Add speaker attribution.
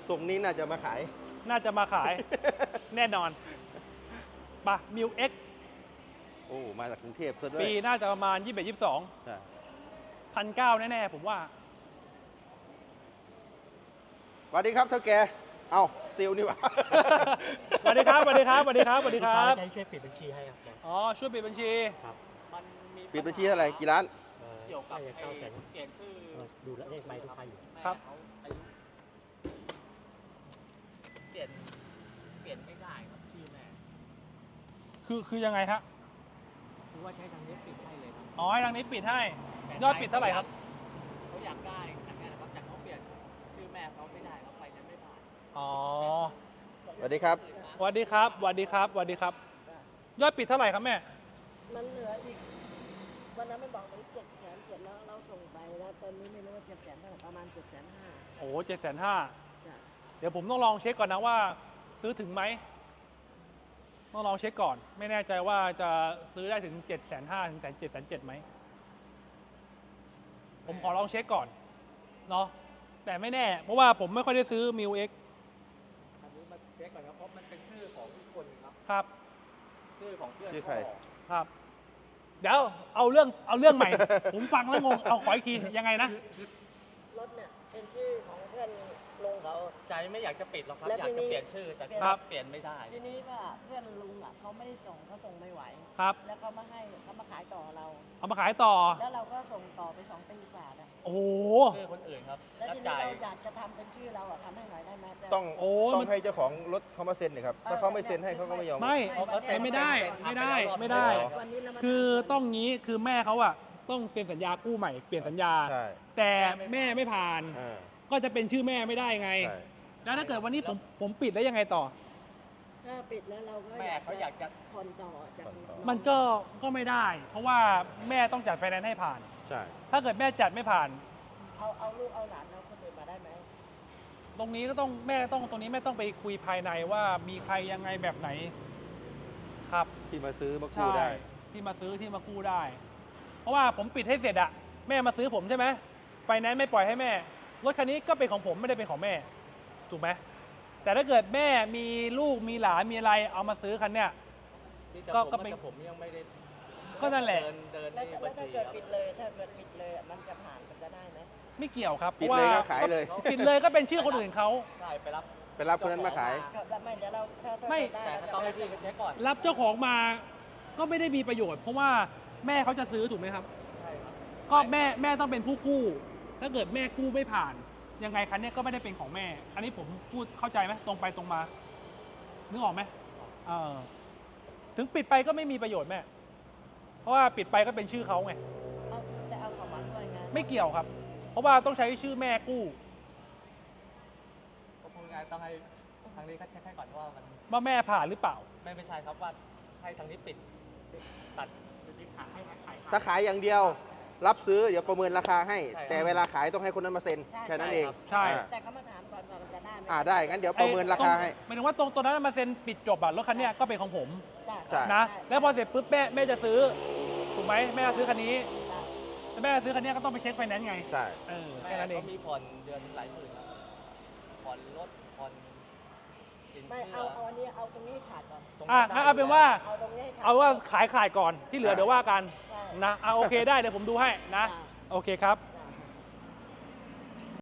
Speaker 1: ทรงนี้น่าจะมาขาย
Speaker 2: น่าจะมาขาย แน่นอนปะมิวเอ็ก
Speaker 1: โอ้มาจากกรุงเทพซะด้วย
Speaker 2: ปีน่าจะประมาณ 21-22
Speaker 1: ใช่
Speaker 2: 1,900แน่ๆผมว่า
Speaker 1: สวัสดีครับเท่าแกเอ้าซิลนี่หว่า
Speaker 2: สวัสดีครับสวัสดีครับสวัสดีครับสวัสดีครับ
Speaker 3: ใช้ช่วยปิดบัญชีให้ครับ
Speaker 2: อ๋อช่วยปิดบัญชี
Speaker 3: ครับ
Speaker 4: มันมี
Speaker 1: ปิดบัญชีเท่าไหร่กี่ล้าน
Speaker 4: เกี่ยวกับ
Speaker 3: น่าจะ
Speaker 4: ไอ้
Speaker 3: 900,000
Speaker 4: เปลี่ยนชื่อ
Speaker 3: ดูเลขใบทุกใบอยู่
Speaker 4: แม่
Speaker 2: ครับ
Speaker 4: เขาอายุเปลี่ยนไม่ได้ครับชื่อแม่
Speaker 2: คือยังไงครับ
Speaker 4: คือว่าใช้ทางนี้ปิดให้เลยครับ
Speaker 2: อ๋อให้ทางนี้ปิดให้
Speaker 4: แต่
Speaker 2: ยอดปิดเท่าไหร่ครับ
Speaker 4: เขาอยากได้อันนี้นะครับแต่เขาเปลี่ยนชื่อแม่เขาไม่ได้เขาไปนั้นไม่ผ่าน
Speaker 2: อ๋อ
Speaker 1: สวัสดีครับ
Speaker 2: สวัสดีครับสวัสดีครับสวัสดีครับ ยอดปิดเท่าไหร่ครับแม่
Speaker 5: มันเหลืออีกวันนั้นมันบอกมัน700,000แล้วเราส่งไปแล้วตอนนี้ไม่รู้ว่า700,000เท่าไหร่ประมาณ750,000
Speaker 2: โอ้750,000
Speaker 5: จ้ะ
Speaker 2: เดี๋ยวผมต้องลองเช็คก่อนนะว่า ซื้อถึงไหมต้องลองเช็คก่อน ไม่แน่ใจว่าจะซื้อได้ถึง750,000ถึง770,000ไหมผมขอลองเช็คก่อนเนาะแต่ไม่แน่ เพราะว่าผมไม่ค่อยได้ซื้อมิวเอ็ก
Speaker 4: อันนี้มาเช็คก่อนครับเพราะมันเป็นชื่อของอีกคนครับ
Speaker 2: ครับ
Speaker 4: ชื่อของเพื่อน
Speaker 1: ชื่อใคร
Speaker 4: เขา
Speaker 2: ครับ เดี๋ยวเอาเรื่องใหม่ ผมฟังแล้วงงเอาขออีกทียังไงนะ
Speaker 5: รถเนี่ยเป็นชื่อของเพื่อนลุงเขา
Speaker 4: ใจไม่อยากจะปิดหรอกครับ
Speaker 5: แล้ว
Speaker 4: อยาก
Speaker 5: ทีนี้
Speaker 4: จะเปลี่ยนชื่อแต่
Speaker 2: ครับ
Speaker 4: เปลี่ยนไม่ได้
Speaker 5: ทีนี้ว่าเพื่อนลุงอ่ะเขาไม่ได้ส่งเขาส่งไม่ไหว
Speaker 2: ครับ
Speaker 5: แล้วเขามาให้เขามาขายต่อเรา
Speaker 2: เอามาขายต่อ
Speaker 5: แล้วเราก็ส่งต่อไป2 ปีกว่าแล้ว
Speaker 2: โอ้โห
Speaker 4: ชื่อคนอื่นครับ
Speaker 5: แล้ว
Speaker 4: รับ
Speaker 5: ทีนี้
Speaker 4: จ่าย
Speaker 5: เราอยากจะทำเป็นชื่อเราอ่ะทำให้หน่อยได้ไหมแต่
Speaker 1: ต้อง
Speaker 2: โอ้ย
Speaker 1: ต้อ
Speaker 2: มั
Speaker 1: ง
Speaker 2: น
Speaker 1: ให้เจ้าของรถเขามาเซ็นนะครับถ้าเขาไม่เซ็นให้เขาก็ไม่ยอม
Speaker 2: ไม่
Speaker 4: เขาเซ็น
Speaker 2: ไม่ได้ ไม่ได้ ไม่ได้
Speaker 5: วันนี้เรามา
Speaker 2: คือต้องงี้คือแม่เขาอะต้องเซ็นสัญญากู้ใหม่เปลี่ยนสัญญา
Speaker 1: ใช่
Speaker 2: แต่แม่ไม่ผ่าน
Speaker 1: อ่า
Speaker 2: ก็จะเป็นชื่อแม่ไม่ได้ไง
Speaker 1: ใช่
Speaker 2: แล้วถ้าเกิดวันนี้ผมปิดแล้วยังไงต่อ
Speaker 5: ถ้าปิดแล้วเราก็
Speaker 4: แม่เขาอยากจะ
Speaker 5: ผ่อนต่อจากน้อง
Speaker 2: มันก็ไม่ได้ เพราะว่าแม่ต้องจัดไฟแนนซ์ให้ผ่าน
Speaker 1: ใช่
Speaker 2: ถ้าเกิดแม่จัดไม่ผ่าน
Speaker 5: เอาลูกเอาหลานเราคนอื่นมาได้ไหม
Speaker 2: ตรงนี้ก็ต้องแม่ต้องตรงนี้แม่ต้องไปคุยภายในว่ามีใครยังไงแบบไหนครับ
Speaker 1: ที่มาซื้อมากู้ได้
Speaker 2: ที่มาซื้อที่มากู้ได้ เพราะว่าผมปิดให้เสร็จอะแม่มาซื้อผมใช่ไหมไฟแนนซ์ไม่ปล่อยให้แม่รถคันนี้ก็เป็นของผมไม่ได้เป็นของแม่ ถูกไหมแต่ถ้าเกิดแม่มีลูกมีหลานมีอะไรเอามาซื้อคันเนี้ย
Speaker 4: ที่จะ
Speaker 2: ก็
Speaker 4: ผม
Speaker 2: เป็น
Speaker 4: แต่ผมยังไม่ได้
Speaker 2: ก็นั่นแหละ
Speaker 4: เดิน
Speaker 5: แล้ว
Speaker 4: ใน
Speaker 5: ถ้า
Speaker 4: บัญชี
Speaker 5: เกิด
Speaker 4: ครับ
Speaker 5: ปิดเลยถ้าเกิดปิดเลยมันจะผ่านมันจะได้ไหม
Speaker 2: ไม่เกี่ยวครับ
Speaker 1: ปิดเลยก็ขายเลย
Speaker 2: ปิดเลยก็เป็นชื่อคนอื่นเขา
Speaker 4: ใช่ไปรับ
Speaker 1: ไปรับคนนั้นมาขาย
Speaker 5: ก็ไม่เดี๋ยวเราถ้า
Speaker 2: ไม่
Speaker 5: ได้
Speaker 4: แต่ก็ต้องให้พี่เขาเช็คก่อน
Speaker 2: รับเจ้าของมาก็ไม่ได้มีประโยชน์ เพราะว่าแม่เขาจะซื้อถูกไหมครับ
Speaker 4: ใช่ครับ
Speaker 2: ก็แม่ต้องเป็นผู้กู้ ถ้าเกิดแม่กู้ไม่ผ่าน ยังไงคันเนี้ยก็ไม่ได้เป็นของแม่ อันนี้ผมพูดเข้าใจไหมตรงไปตรงมา นึกออกไหมเออถึงปิดไปก็ไม่มีประโยชน์แม่ เพราะว่าปิดไปก็เป็นชื่อเขาไง
Speaker 5: เอาแต่เอาของมันด้วยไง
Speaker 2: ไม่เกี่ยวครับ เพราะว่าต้องใช้ชื่อแม่กู้
Speaker 4: ก็พูดง่ายๆต้องให้ทางนี้เขาเช็คให้ก่อนว่ามัน
Speaker 2: ว่าแม่ผ่านหรือเปล่า
Speaker 4: ไม่ใช่ครับว่าให้ทางนี้ปิดตัดขายให้ขาย
Speaker 1: ถ้าขายอย่างเดียว รับซื้อเดี๋ยวประเมินราคาให้
Speaker 4: ใช่ครับ
Speaker 1: แต่เวลาขายต้องให้คนนั้นมาเซ็นแค่นั้นเอง
Speaker 2: ใช่
Speaker 1: อ่า
Speaker 5: แต่เขามาถามก่อนว่ามันจะได้ไหม
Speaker 1: ได้งั้นเดี๋ยวประเมินราคาให้
Speaker 2: หมายถึงว่าตรงนั้นมาเซ็นปิดจบอะรถคันเนี้ยก็เป็นของผม
Speaker 1: ใช่
Speaker 2: นะ แล้วพอเสร็จปุ๊บแม่จะซื้อ ถูกไหมแม่จะซื้อคันนี้แล้วแม่จะซื้อคันนี้ก็ต้องไปเช็คไฟแนนซ์ไง
Speaker 1: ใช่
Speaker 4: แม่
Speaker 2: แค่นั้นเอง
Speaker 4: เขามีผ่อนเดือนหลายหมื่นครับผ่อนรถผ่อนสิน
Speaker 5: ไม่
Speaker 4: เชื่
Speaker 5: เอาอันนี้เอาตรงนี้ให้ขาดก่อน
Speaker 4: ตรง
Speaker 2: งั้นเอาเป็นว่า
Speaker 5: เอาตรงนี้ให้ขาด
Speaker 2: เอาว่าขายก่อนที่เหลือเดี๋ยวว่ากัน
Speaker 5: ใช่
Speaker 2: นะโอเคได้เดี๋ยวผมดูให้นะ
Speaker 5: จ้ะ
Speaker 2: โอเคครับ
Speaker 5: จ้ะ